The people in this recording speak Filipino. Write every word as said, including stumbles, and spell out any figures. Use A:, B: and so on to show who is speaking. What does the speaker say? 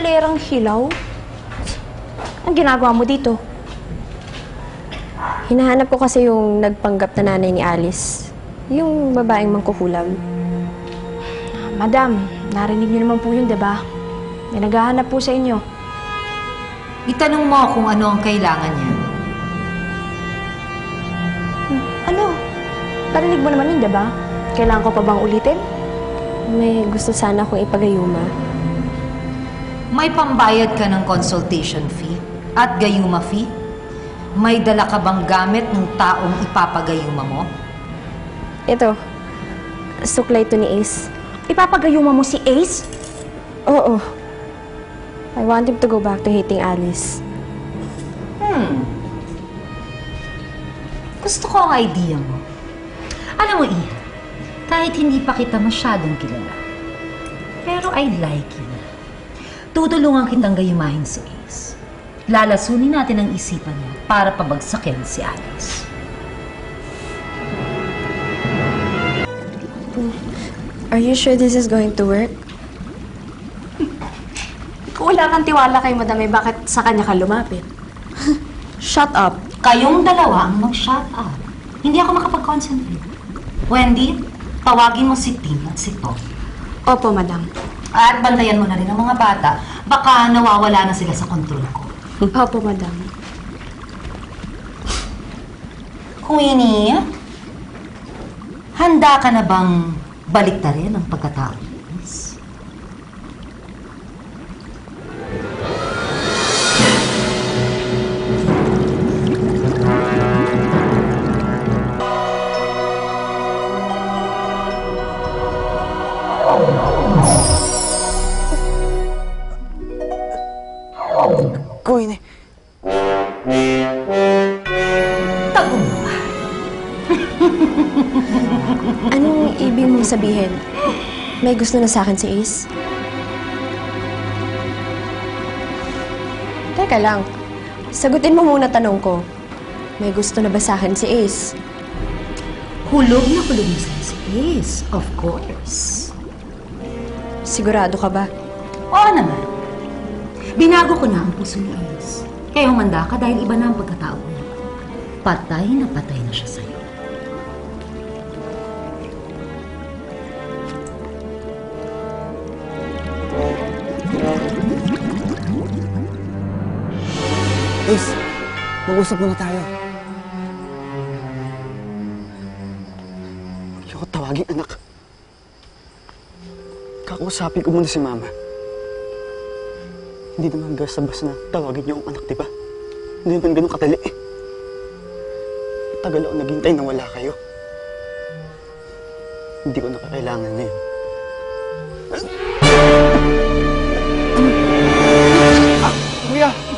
A: kalerang hilaw? Ang ginagawa mo dito?
B: Hinahanap ko kasi yung nagpanggap na nanay ni Alice. Yung babaeng mangkukulam.
A: Madam, narinig niyo naman po yun, diba? May naghahanap po sa inyo.
C: Itanong mo kung ano ang kailangan niya.
A: Ano? Narinig mo naman yun, diba? Kailangan ko pa bang ulitin?
B: May gusto sana akong ipagayuma.
C: May pambayad ka ng consultation fee at gayuma fee? May dala ka bang gamit ng taong ipapagayuma mo?
B: Ito, suklay to ni Ace.
A: Ipapagayuma mo si Ace?
B: Oo. I want him to go back to hating Alice.
C: Hmm. Gusto ko ang idea mo. Alam mo, Ian, kahit hindi pa kita masyadong kilala, pero I like you. Tutulungan kitang gayumahin si Ace. Lalasunin natin ang isipan niya para pabagsakin si Alice.
B: Are you sure this is going to work?
A: Kung wala kang tiwala kay Madam, eh, bakit sa kanya ka lumapit?
B: Shut up.
C: Kayong dalawa ang mag-shut up. Hindi ako makapag-concentrate. Wendy, tawagin mo si Tim at si Tom.
A: Opo, Madam.
C: At bantayan mo na rin ang mga bata. Baka nawawala na sila sa kontrol ko.
A: Opo, Madam.
C: Queenie, handa ka na bang baliktarin ang pagkatao ni Alice?
D: Queenie.
C: Tagumpay.
B: Anong ibig mong sabihin? May gusto na sa akin si Ace? Teka lang. Sagutin mo muna tanong ko. May gusto na ba sa akin si Ace?
C: Hulog na hulog na sa'yo si Ace, of course.
B: Sigurado ka ba?
C: Oo naman. Binago ko na ang puso ni Ace. Kaya humanda ka dahil iba na ang pagkatao niya. Patay na patay na siya sa'yo.
D: Ace, mag-usap muna tayo. Ayoko tawagin, anak. Kakausapin ko muna si Mama. Hindi naman basta-basta na tawagin niyo ang anak, di ba? Hindi naman ganun kadali. Tagal ako naghintay na wala kayo. Hindi ko nakakailangan na yun. Ah, kuya!